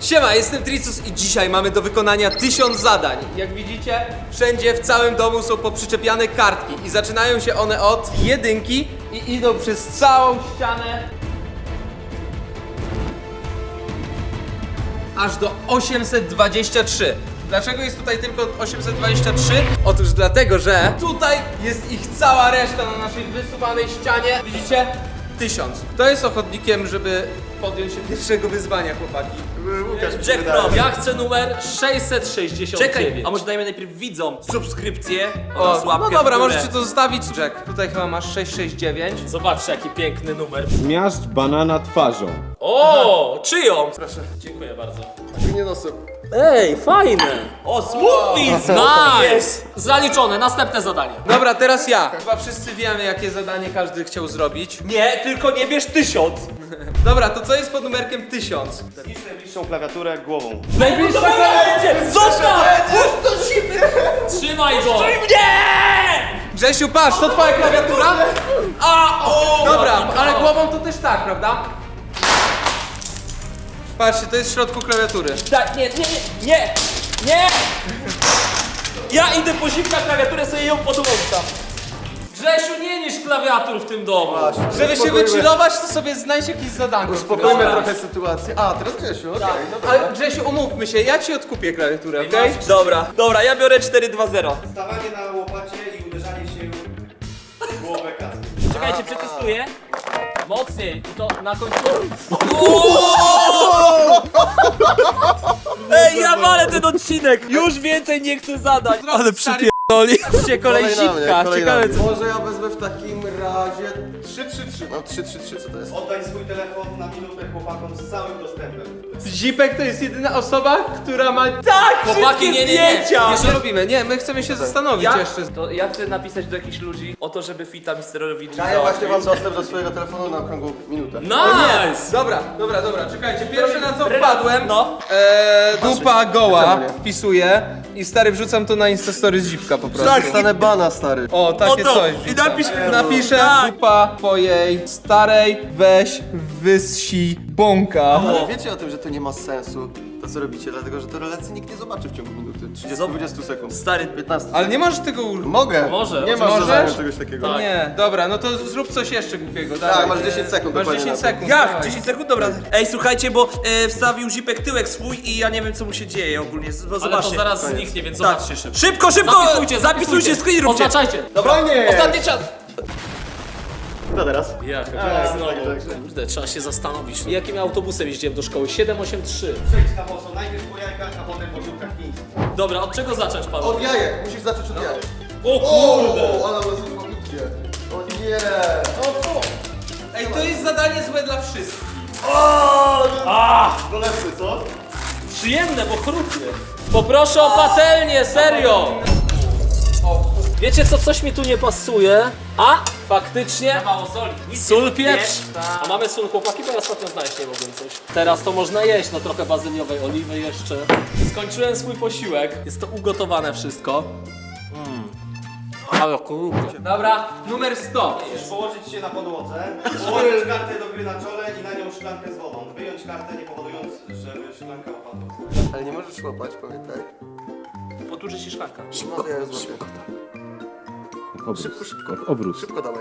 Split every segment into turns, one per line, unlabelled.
Siema, jestem Tricus i dzisiaj mamy do wykonania 1000 zadań. Jak widzicie, wszędzie w całym domu są poprzyczepiane kartki i zaczynają się one od 1 i idą przez całą ścianę aż do 823. Dlaczego jest tutaj tylko 823? Otóż dlatego, że tutaj jest ich cała reszta na naszej wysuwanej ścianie. Widzicie? 1000. Kto jest ochotnikiem, żeby podjąć się pierwszego wyzwania, chłopaki?
Jack Prom, ja chcę numer 669.
Czekaj, a może dajmy najpierw widzom subskrypcję oraz
O,
łapkę
no dobra,
w górę.
możecie to zostawić. Jack, tutaj chyba masz 669.
Zobaczcie, jaki piękny numer.
Zmiażdż banana twarzą.
O, czyją? Proszę. Dziękuję bardzo.
Nie nosem.
Ej, fajne.
O, smoothies!
Nice. Zaliczone, następne zadanie.
Dobra, teraz ja. Chyba wszyscy wiemy, jakie zadanie każdy chciał zrobić.
Nie, tylko nie bierz 1000.
Dobra, to co jest pod numerkiem 1000?
Zniszcz najbliższą klawiaturę głową.
Najbliższa będzie! Zostaw! Trzymaj go!
Nie!
Grzesiu, patrz, to twoja klawiatura? Dobra, ale głową to też tak, prawda? Patrzcie, to jest w środku klawiatury.
Tak, nie! Ja idę po zimna klawiaturę, sobie ją podłączam.
Grzesiu, nie niż klawiatur w tym domu.
Żeby się wychillować, to sobie znajdź jakieś zadanko.
Uspokójmy trochę sytuację. A, teraz Grzesiu, okej.
Ale Grzesiu, umówmy się, ja ci odkupię klawiaturę, okej?
Dobra, ja biorę 4-2-0.
Stawanie na łopacie i uderzanie się w głowę kasy.
Czekajcie, przetestuję.
Mocniej, i to na końcu.
Ej, ja walę ten odcinek! Już więcej nie chcę zadać. Ale przypierdoli. Kolej
Kolej na mnie,
zipka,
kolej na
ciekawe
mnie.
co...
Może ja wezmę w takim razie 3-3-3. No 3-3-3, co to jest? Oddaj swój telefon na minutę chłopakom z całym dostępem.
Zipek to jest jedyna osoba, która ma...
Tak,
Chłopaki, nie.
zdjęcia!
Nie robimy, nie, my chcemy się zastanowić
Ja?
jeszcze.
To ja chcę napisać do jakichś ludzi o to, żeby fita misterowi
Daję właśnie wam dostęp do swojego telefonu na okrągłą minutę.
Nice!
Dobra, czekajcie, pierwsze na co wpadłem,
No.
dupa goła,
Czemu nie?
wpisuję i stary wrzucam to na Instastory z Zipka po prostu.
Tak, stanę bana, stary.
O, takie
Oto,
coś.
i napisz-
Napiszę
Tak.
dupa twojej starej, weź wysi bąka.
Ale wiecie o tym, że to nie ma sensu, to co robicie, dlatego że to relacji nikt nie zobaczy w ciągu minuty. 30-20 sekund.
Stary,
15.
Ale nie możesz tego
Mogę.
Może,
Nie masz
możesz?
zadania czegoś takiego.
Tak.
Nie, dobra, no to zrób coś jeszcze głupiego,
Tak,
dawaj.
masz 10 sekund
Masz
dokładnie
10
na to.
sekund.
jak?
dawaj.
10 sekund? Dobra. Ej, słuchajcie, bo wstawił Zipek tyłek swój i ja nie wiem co mu się dzieje ogólnie. Bo
Ale to
zobaczcie.
zaraz zniknie, więc
Tak.
zobaczcie szybko.
Szybko!
Zapisujcie,
screen róbcie!
Oznaczajcie.
Fajnie!
Ostatni czas.
Kto teraz?
Ja chyba
tak,
znowu.
tak.
Kurde, trzeba się zastanowić. Jakim autobusem jeździłem do szkoły? 783.
Przejdź na boso, najpierw po jajkach, a potem po ziółkach chińskich.
Dobra, od czego zacząć, panu?
Od jajek, musisz zacząć od jajek.
O kurde!
Ale nas idzie. O nie!
Ej, to jest zadanie złe dla wszystkich.
Bolesny, co?
Przyjemne, bo chrupie. Poproszę o patelnię, serio! Wiecie co, coś mi tu nie pasuje? A, faktycznie,
Mało soli.
sól, pieprz. A mamy sól, chłopaki, bo ja ostatnio znaleźć nie mogłem coś. Teraz to można jeść, no trochę bazyliowej oliwy jeszcze. Skończyłem swój posiłek, jest to ugotowane wszystko. Ale kurde.
Dobra, numer 100.
Musisz położyć się na podłodze, położyć kartę do gry na czole i na nią szklankę z wodą. Wyjąć kartę, nie powodując, żeby szklanka opadła. Ale nie możesz łapać, pamiętaj.
Poturzy się szklanka.
Szybko, ja ją złapię. Szybko.
Obrus.
Szybko dawaj.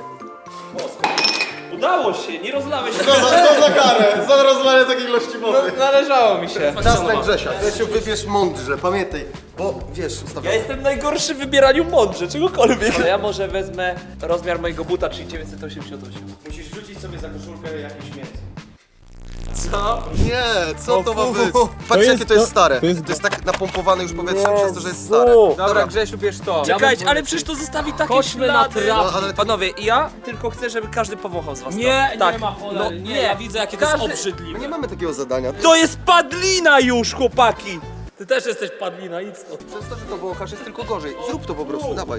Udało się, nie rozlałeś się.
Co za karę? Za rozlanie takiej ilości wody.
Należało mi się.
Czas na Grzesia. Grzesiu, wybierz mądrze, pamiętaj. Bo wiesz,
Ja
ustawiam.
jestem najgorszy w wybieraniu mądrze, czegokolwiek. Ale ja może wezmę rozmiar mojego buta, czyli 988.
Musisz rzucić sobie za koszulkę jakieś mięso.
Co?
Nie, co to ma być? Patrzcie, jakie to jest stare. To jest tak napompowane już powietrzem przez to, że jest stare.
Dobra, Grzesiu, bierz to.
Czekajcie, ale przecież to zostawi takie
Chodźmy na
ślady.
trawę.
No, ale to-
Panowie, ja tylko chcę, żeby każdy powąchał z was
Nie,
to. Tak.
nie ma cholery,
No,
nie, ja widzę jakie to jest
Każdy-
My
obrzydliwe.
nie mamy takiego zadania.
To jest padlina już, chłopaki!
Ty też jesteś padlina, idź stąd.
Przez to, że to wąchasz jest tylko gorzej. Zrób to po prostu, dawaj.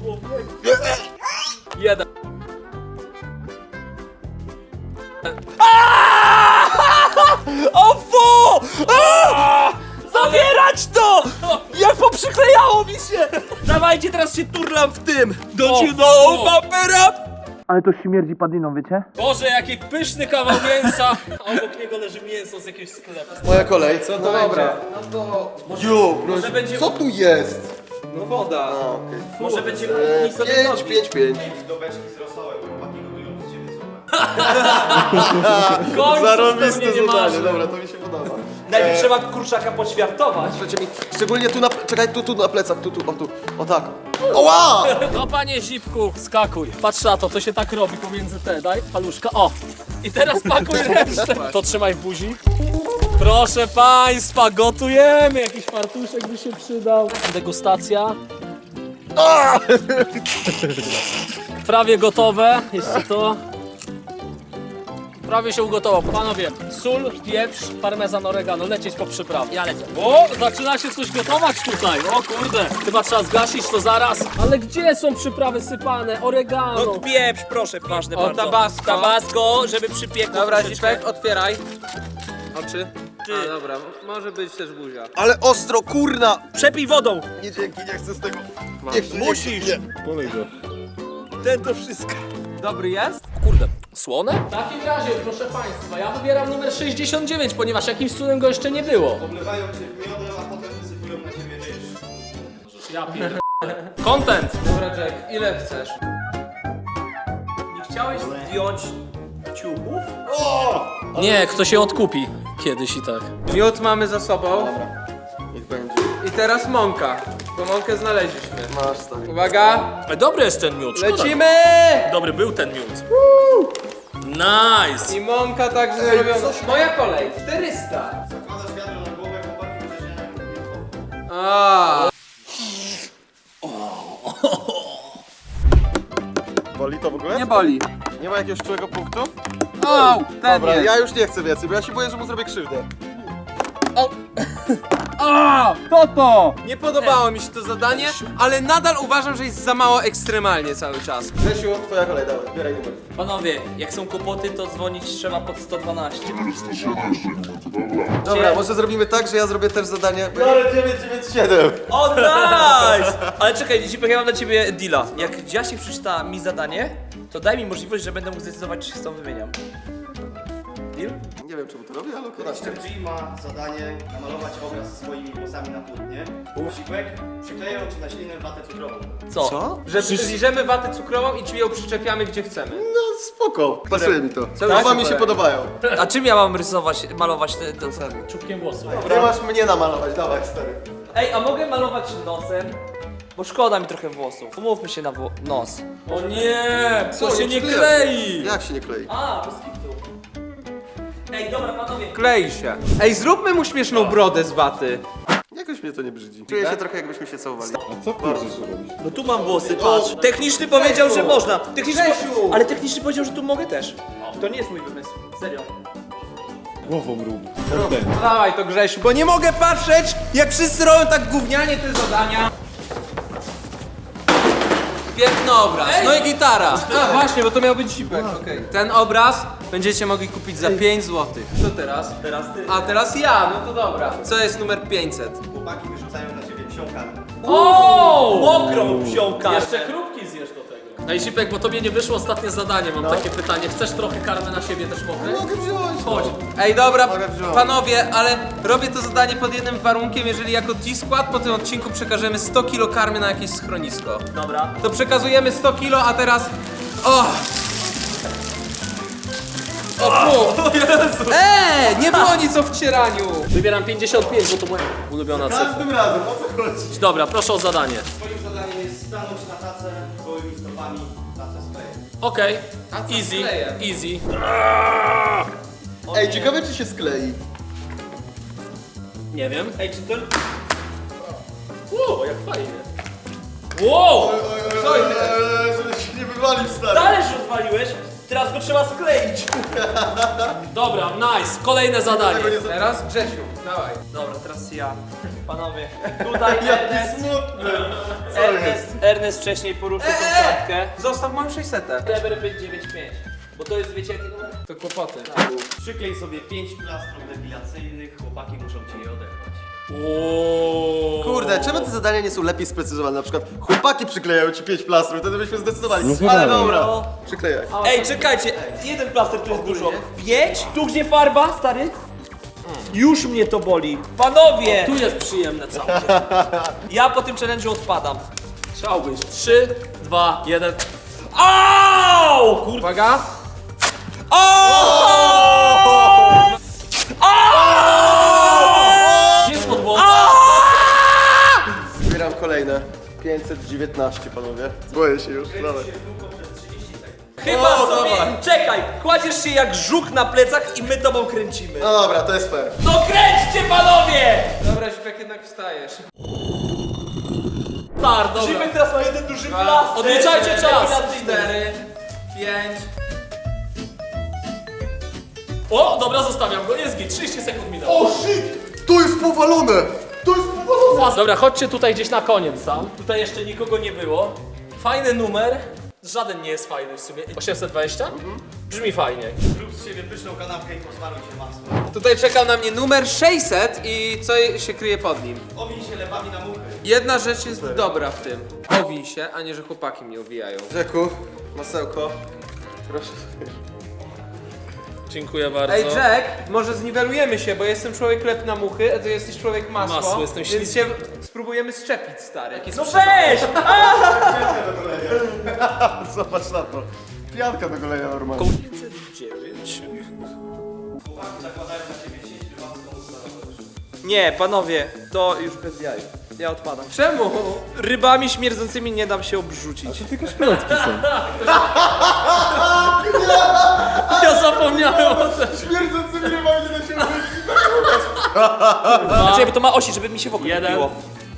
Jeden.
O fu! Zabierać to! Jak poprzyklejało mi się! Dawajcie, teraz się turlam w tym! Don't you know, bumper up! Ale to śmierdzi padliną, wiecie?
Boże, jaki pyszny kawał mięsa! A obok niego leży mięso z jakiegoś sklepu.
Moja kolej.
Co to dobra.
Może będzie,
Co tu jest?
No woda.
może będzie
5.
Do beczki z rosołem, chłopaki gotują z ciebie zupę.
Zarobiste
nie
zadanie,
marzy.
dobra, to mi się podoba.
Najpierw trzeba kurczaka poćwiartować.
Słuchajcie mi, szczególnie tu na, czekaj, tu na plecach, o tak. Oła!
No panie Zipku, skakuj. Patrz na to, to się tak robi pomiędzy te, daj paluszka, o. I teraz pakuj resztę. To trzymaj w buzi. Proszę państwa, gotujemy. Jakiś fartuszek by się przydał. Degustacja. Prawie gotowe. Jeszcze to. Prawie się ugotował. Panowie, sól, pieprz, parmezan, oregano. Lecieć po przyprawie. Ja lecę. O, zaczyna się coś gotować tutaj. O kurde. Chyba trzeba zgasić to zaraz. Ale gdzie są przyprawy sypane? Oregano.
No pieprz, proszę, ważne bardzo.
Tabasco.
Tabasco, żeby przypiekło
Dobra,
troszeczkę.
Zipek, otwieraj. Oczy. A, dobra, może być też buzia.
Ale ostro, kurna!
Przepij wodą.
Nie dzięki, nie chcę z tego. Nie chcę,
Musisz.
Polej go.
Ten to wszystko.
Dobry jest?
Kurde, słone? W takim razie, proszę państwa, ja wybieram numer 69, ponieważ jakimś cudem go jeszcze nie było.
Oblewają cię miodem, a potem wysypują na ciebie ryż.
Ja pierdolę. Content!
Dobra, Jack, ile chcesz?
Nie chciałeś zdjąć ciuchów?
Nie, kto się odkupi kiedyś i tak.
Miód mamy za sobą.
Niech będzie.
I teraz mąka. Bo mąkę znaleźliśmy.
Masz, stary.
Uwaga!
Dobry jest ten miód, szkoda.
Lecimy!
Dobry był ten miód. Nice!
I mąka także zrobiona. Moja kolej. 400.
Zakładasz wiadro na głowę, chłopaki wyciągają
A.
Boli to w ogóle?
Nie boli.
Nie ma jakiegoś czułego punktu?
O, ten
Dobra,
jest.
ja już nie chcę więcej, bo ja się boję, że mu zrobię krzywdę.
To! Nie podobało mi się to zadanie, ale nadal uważam, że jest za mało ekstremalnie cały czas.
Grzesiu, twoja kolej, dawaj, zbieraj numer.
Panowie, jak są kłopoty, to dzwonić trzeba pod 112.
Dobra, może zrobimy tak, że ja zrobię też zadanie. Biorę 997.
O, nice! Ale czekaj, Zipek, ja mam dla ciebie deala. Jak Jasiek przeczyta mi zadanie, to daj mi możliwość, że będę mógł zdecydować, czy się z tobą wymieniam. Deal?
Nie wiem, czemu to robię, ale okej.
Mr. G ma zadanie namalować obraz swoimi włosami na płótnie. Sipek przykleją ci na ślinę watę cukrową.
Co?
Co?
Że liżemy watę cukrową i ci ją przyczepiamy gdzie chcemy.
No spoko, pasuje mi to.
Cały
Oba mi
super.
się podobają.
A czym ja mam rysować, malować te...
Czubkiem włosów.
Nie masz mnie namalować, dawaj stary.
Ej, a mogę malować nosem? Bo szkoda mi trochę włosów. Umówmy się na nos.
O nie!
Co,
To się
już
nie
klei.
klei!
Jak się nie klei?
A, bez kitu. Ej, dobra, panowie.
Klei się. Ej, zróbmy mu śmieszną brodę z waty.
Jakoś mnie to nie brzydzi. Czuję się trochę jakbyśmy się całowali.
A co chcesz robić?
No tu mam włosy, patrz. Techniczny powiedział, że można.
Grzesiu!
Ale techniczny powiedział, że tu mogę też. To nie jest mój wymysł. Serio.
Głową rób. Ten.
No dawaj to Grzesiu, bo nie mogę patrzeć, jak wszyscy robią tak gównianie te zadania. Piękny obraz, no i gitara. A właśnie, bo to miał być Zipek. Okej. Ten obraz będziecie mogli kupić za 5 zł. Co teraz?
Teraz ty.
A teraz ja, no to dobra. Co jest numer 500?
Chłopaki wyrzucają na ciebie psią karmę.
O! Mokrą wziął
Jeszcze chrupki zjesz do tego. Ej, Zipek, bo tobie nie wyszło ostatnie zadanie, mam takie pytanie. Chcesz trochę karmy na siebie też mokrej?
Mogę wziąć.
Chodź.
Ej, dobra,
Mogę wziąć.
panowie, ale robię to zadanie pod jednym warunkiem, jeżeli jako T-Skład po tym odcinku przekażemy 100 kg karmy na jakieś schronisko.
Dobra.
To przekazujemy 100 kg, a teraz... O! O, Jezu! Nie było nic o wcieraniu!
Wybieram 55, bo to moja ulubiona cyfra.
Każdym razem, o co chodzi?
Dobra, proszę o zadanie.
Twoim zadaniem jest stanąć na tacę gołymi stopami, tacę skleję.
Okej,
A co
easy,
skleję?
easy.
Ej, ciekawe czy się sklei.
Nie wiem.
Ej, czy to...
Wow, jak fajnie. Wow!
Co jest?
Żeby się nie wywalił, stary.
Talerz rozwaliłeś, teraz go trzeba skleić.
Dobra, nice. Kolejne zadanie.
Teraz Grzesiu, dawaj.
Dobra, teraz ja. Panowie, tutaj
Jaki
Ernest,
smutny.
Ernest wcześniej poruszył tą klatkę.
Zostaw moją 600.
Kleber 595. Bo to jest, wiecie jaki numer?
To kłopoty.
Przyklej sobie 5 plastrów depilacyjnych, chłopaki muszą ci je oderwać.
Ooo.
Kurde,
Kurde, czemu te zadania nie są lepiej sprecyzowane? Na przykład chłopaki przyklejają ci 5 plastrów, wtedy byśmy zdecydowali.
No
Ale
dobra.
dobra,
No.
przyklejaj.
Ej, czekajcie, jeden plaster to jest dużo. 5? Tu gdzie farba, stary? Już mnie to boli. Panowie!
Tu jest przyjemne całkiem.
Ja po tym challenge'u odpadam.
Chciałbyś. 3, 2, 1. Au! Kurde.
Uwaga.
Gdzie jest podłoga?
Zbieram kolejne. 519, panowie. Boję się już. Dawaj.
Chyba sobie... Czekaj, kładziesz się jak żuk na plecach i my tobą kręcimy.
No dobra, to jest fair.
No kręćcie, panowie!
Dobra, Zipek, jednak wstajesz.
Start, dobra.
Zipek teraz ma jeden duży plaster.
Odliczajcie czas.
4, 5.
O, dobra, zostawiam go. Jest git. 30 sekund minęło.
O shit! To jest powalone! To jest powalone!
Dobra, chodźcie tutaj gdzieś na koniec sam. Tutaj jeszcze nikogo nie było. Fajny numer. Żaden nie jest fajny w sumie. 820? Brzmi fajnie.
Zrób z siebie pyszną kanapkę i posmaruj się masłem.
Tutaj czekał na mnie numer 600 i co się kryje pod nim?
Owij się lepami na muchy.
Jedna rzecz jest dobra w tym. Owij się, a nie, że chłopaki mnie owijają.
Rzeku, masełko. Proszę.
Dziękuję bardzo.
Ej, Jack, może zniwelujemy się, bo jestem człowiek lep na muchy, a ty jesteś człowiek masło.
Masło, jestem
więc się spróbujemy szczepić, stary.
No weź!
Zobacz na to. Pianka do golenia normalnie.
Nie, panowie, to już bez jaj. Ja odpadam.
Czemu?
Rybami śmierdzącymi nie dam się obrzucić.
Tylko szpilotki są.
Ja zapomniałem o tym.
Śmierdzącymi rybami nie da się użyć.
Znaczy, bo to ma osi, żeby mi się w oko nie
Jeden.
biło.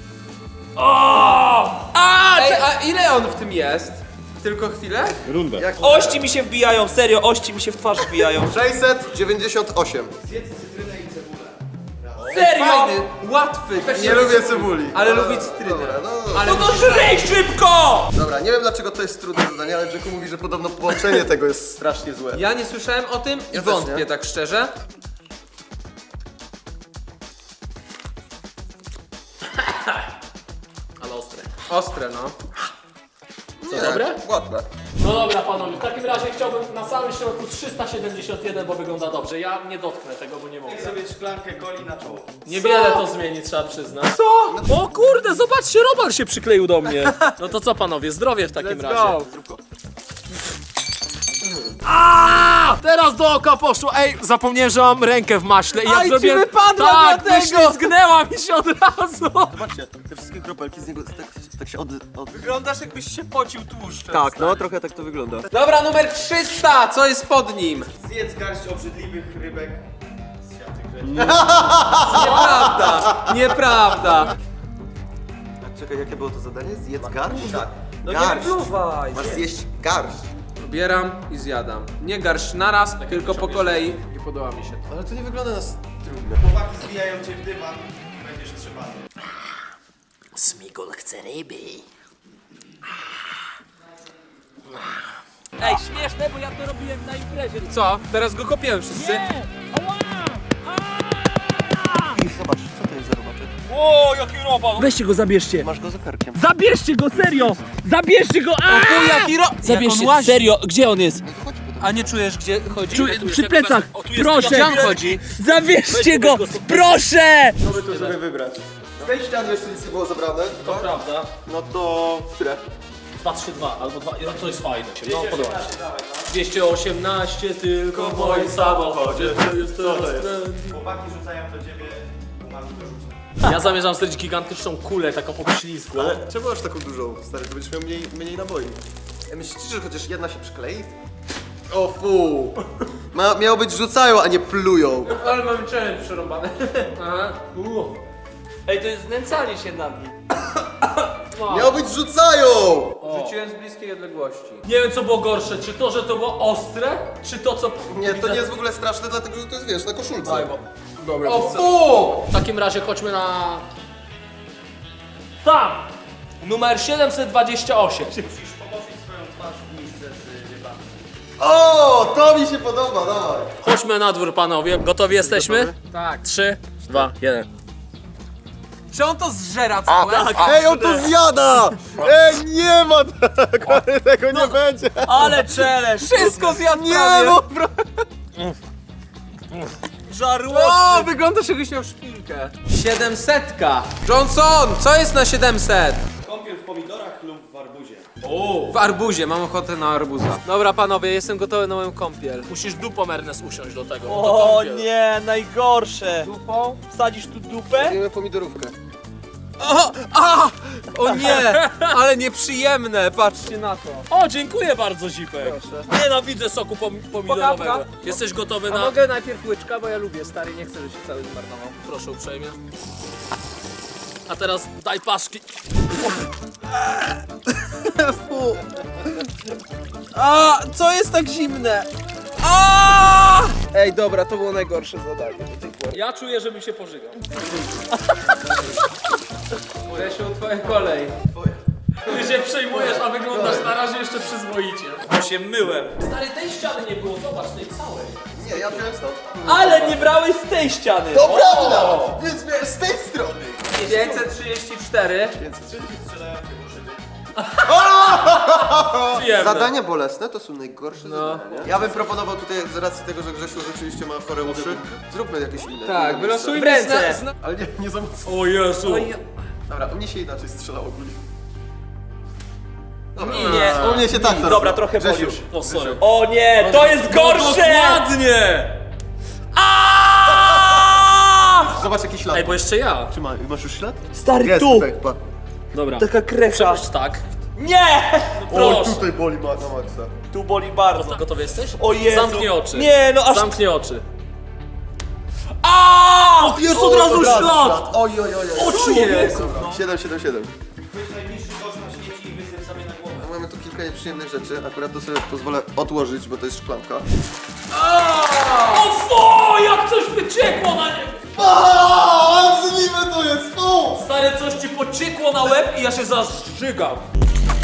Ej, a ile on w tym jest? Tylko chwilę?
Runda.
Ości mi się wbijają, serio, ości mi się w twarz wbijają.
698.
Serio!
Fajny, łatwy.
Nie lubię cebuli.
Ale lubi cytrynę.
Dobra, no.
Ale
No to żryj szybko!
Dobra, nie wiem dlaczego to jest trudne zadanie, ale Jacku mówi, że podobno połączenie tego jest strasznie złe.
ja nie słyszałem o tym i
Ja też
wątpię
nie.
tak szczerze.
Ale ostre.
Ostre, no.
Nie,
dobre?
Ładne.
No dobra, panowie, w takim razie chciałbym na samym środku 371, bo wygląda dobrze. Ja nie dotknę tego, bo nie mogę.
Daj sobie szklankę coli na czoło.
Niewiele to zmieni, trzeba przyznać. Co? O kurde, zobaczcie, Robal się przykleił do mnie. No to co, panowie, zdrowie w takim razie. Teraz do oka poszło. Ej, zapomniałem, że mam rękę w maśle i jak
Aj, ci
zrobiłem...
wypadła
tak,
dlatego!
wyślizgnęła mi się od razu.
Zobaczcie, te wszystkie kropelki z niego tak się od...
Wyglądasz jakbyś się pocił tłuszczem.
Tak, no trochę tak to wygląda.
Dobra, numer 300, co jest pod nim?
Zjedz garść obrzydliwych rybek z siatych rzeczy.
Nieprawda, nieprawda.
Czekaj, jakie było to zadanie? Zjedz garść? Tak.
No nie
Garść.
wypluwaj.
Masz zjeść garść.
Bieram i zjadam. Nie garść naraz, tylko po kolei. Nie podoba mi się to.
Ale to nie wygląda na trudne.
Chłopaki zbijają cię w dywan, będziesz trzymany.
Smigol chce ryby.
Ej, śmieszne, bo ja to robiłem na imprezie.
Co? Teraz go kopiemy wszyscy?
I zobacz, co to jest za robaczek?
O, jaki robal!
Weźcie go, zabierzcie.
Masz go za karkiem.
Zabierzcie go, serio! Zabierzcie go! Zabierzcie, serio, gdzie on jest?
A nie czujesz, gdzie chodzi?
Przy plecach, proszę!
Gdzie on chodzi?
Zabierzcie go, proszę!
Co by tu sobie wybrać? Z tej ściany jeszcze nic nie było zabrane.
To prawda.
No to... Które?
232 albo 2, no to jest fajne. No podoba mi się. 218 tylko w moim samochodzie. To jest trend.
Chłopaki rzucają do ciebie, umami do rzucia.
Ja zamierzam zrobić gigantyczną kulę, taką obślizgłą.
Ale czemu masz taką dużą, stary? To będziesz miał mniej naboi. Myślicie, że chociaż jedna się przyklei? O fu! Miało być rzucają, a nie plują.
Ale mamy challenge przerąbane. Aha.
Ej, to jest znęcanie się nad nim.
Miało być rzucają!
Rzuciłem z bliskiej odległości.
Nie wiem co było gorsze, czy to, że to było ostre, czy to co...
Nie, to nie jest w ogóle straszne, dlatego że to jest, wiesz, na koszulce.
O fu!
W takim razie chodźmy na... Tam! Numer 728.
Musisz położyć swoją twarz w misce z rybami.
O, to mi się podoba, dawaj.
Chodźmy na dwór, panowie. Gotowi jesteśmy?
Tak.
3, 2, 1.
Czy on to zżera całe?
Ej, on to zjada! Ej, nie ma tego, tego nie będzie.
Ale challenge!
Wszystko zjadł
Nie,
prawie.
no,
Żarło!
O, wyglądasz jakbyś miał szpilkę. 700. Johnson, co jest na 700?
Kąpiel w pomidorach lub w arbuzie.
W arbuzie, mam ochotę na arbuza. Dobra panowie, jestem gotowy na moją kąpiel.
Musisz dupą, Ernest, usiąść do tego.
O nie, najgorsze!
Dupą?
Wsadzisz tu dupę?
Robimy pomidorówkę.
O nie, ale nieprzyjemne, patrzcie na to.
O, dziękuję bardzo, Zipek. Nienawidzę soku pomidorowego.
Pokapka.
Jesteś gotowy
A
na...
mogę najpierw łyczka, bo ja lubię, stary, nie chcę, żeby się cały zmarnował.
Proszę uprzejmie. A teraz daj paszki.
A, co jest tak zimne? A! Ej, dobra, to było najgorsze zadanie do tej pory.
Ja czuję, żebym się pożygał.
Grzesiu, twoja kolej.
Ty się przejmujesz, a wyglądasz na razie jeszcze przyzwoicie.
Bo się myłem.
Stary, tej ściany nie było, zobacz, tej całej.
Nie, ja wziąłem stąd.
Ale nie brałeś z tej ściany!
To prawda! Więc miałem z tej strony.
534.
Przyjemne.
Zadania bolesne to są najgorsze zadania, nie? Ja bym proponował tutaj, z racji tego, że Grzesiu rzeczywiście ma chore uszy, zróbmy jakieś inne.
Tak,
inne
wylosujmy
W ręce.
Ale nie za mocno.
O Jezu.
Dobra, u mnie się inaczej strzelało ogólnie. Dobra.
Nie.
U mnie się tak
Dobra, trochę boli
Grzesiu.
już.
O, sorry.
O nie, to jest gorsze!
Dokładnie!
Zobacz jaki ślad.
Ej, bo jeszcze ja.
Czy masz już ślad?
Stary,
Jest
tu!
tutaj, pa.
Dobra.
Taka krecha.
Przepuść tak.
Nie!
Oj,
Proszę.
tutaj boli na maksa.
Tu boli bardzo.
Gotowy jesteś?
O Jezu.
Zamknij oczy.
Nie, no aż...
Zamknij oczy.
Jest od razu ślad!
Oj, oj, oj, oj.
O człowieku!
777.
Weź najbliższy kosz na śmieci i wysyp sobie na głowę.
Mamy tu kilka nieprzyjemnych rzeczy, akurat to sobie pozwolę odłożyć, bo to jest szklanka.
O fu, jak coś wyciekło na niego!
Aaaa, obrzydliwe to jest, fu!
Stary, coś ci pociekło na łeb i ja się zażygam.